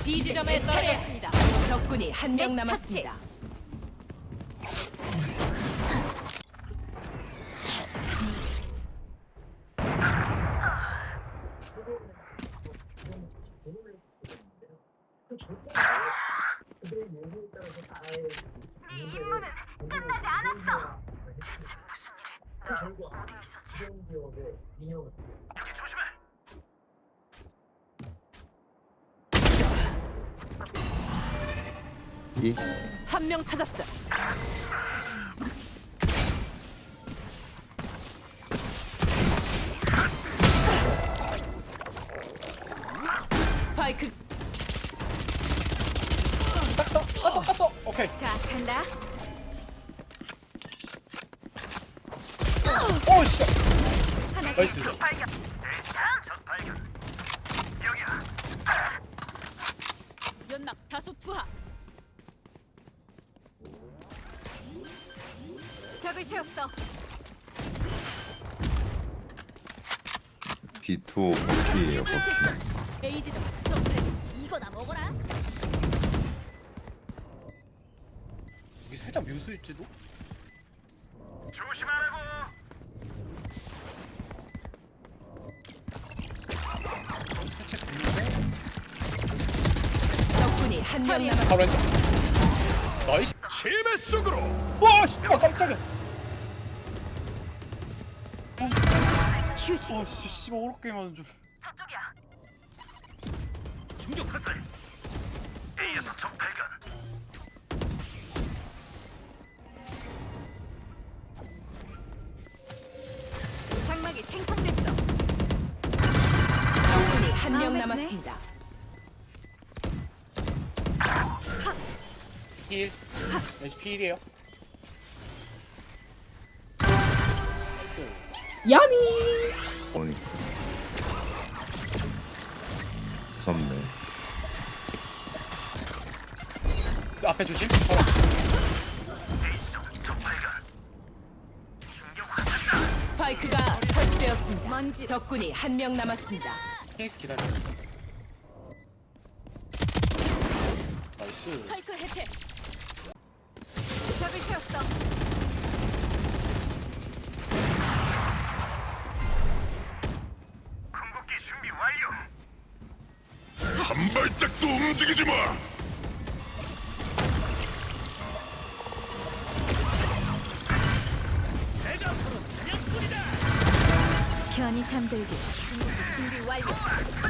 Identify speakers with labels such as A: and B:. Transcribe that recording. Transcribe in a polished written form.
A: B 지점에 떨어졌습니다. 적군이 한 명 남았습니다.
B: 네 임무는 끝나지 않았어. 대체 무슨 일이? 어디 있었지?
C: 여기 조심해.
D: 이
A: 한 명 찾았다. 스파이크
E: 깠어. 오케이.
B: 자, 간다.
E: 오 씨.
B: 하나
E: 나이스.
B: 채취.
C: 발견. 적 발견. 여기야.
A: 연막 다수 투하.
B: 벽을 세웠어.
D: B2 B예요.
A: 설치했어. A 지점 점프. 이거나 먹어라.
E: 여기 살짝 묘수일지도.
C: 조심하라고.
E: 살짝 들리네.
A: 적군이 한 명
B: 처리했어.
A: 남았.
E: 바로 왼쪽. 나이스.
C: 심해 속으로.
E: 와 씨. 아 깜짝이야.
B: 휴식.
E: 와씨 씨발 오락게 맞은 줄.
B: 저쪽이야.
C: 충격 화살. A에서 적 발견.
B: 장막이 생성됐어.
A: 적군이 한 명
B: 마음에
A: 남았습니다.
E: 힐. 왠지 필이에요.
D: 오니. 무섭네.
E: 그 앞에 조심.
C: A에서 적 발견. 충격 화살이다.
A: 스파이크가 설치되었습니다.
B: 먼지.
A: 적군이 한 명 남았습니다.
E: 케이스 기다려. 나이스.
A: 스파이크 해체.
B: 벽을 세웠어.
C: 궁극기 준비 완료.
F: 한 발짝도 움직이지 마.
C: 내가 바로 사냥꾼이다.
B: 편히 잠들기. 준비 완료.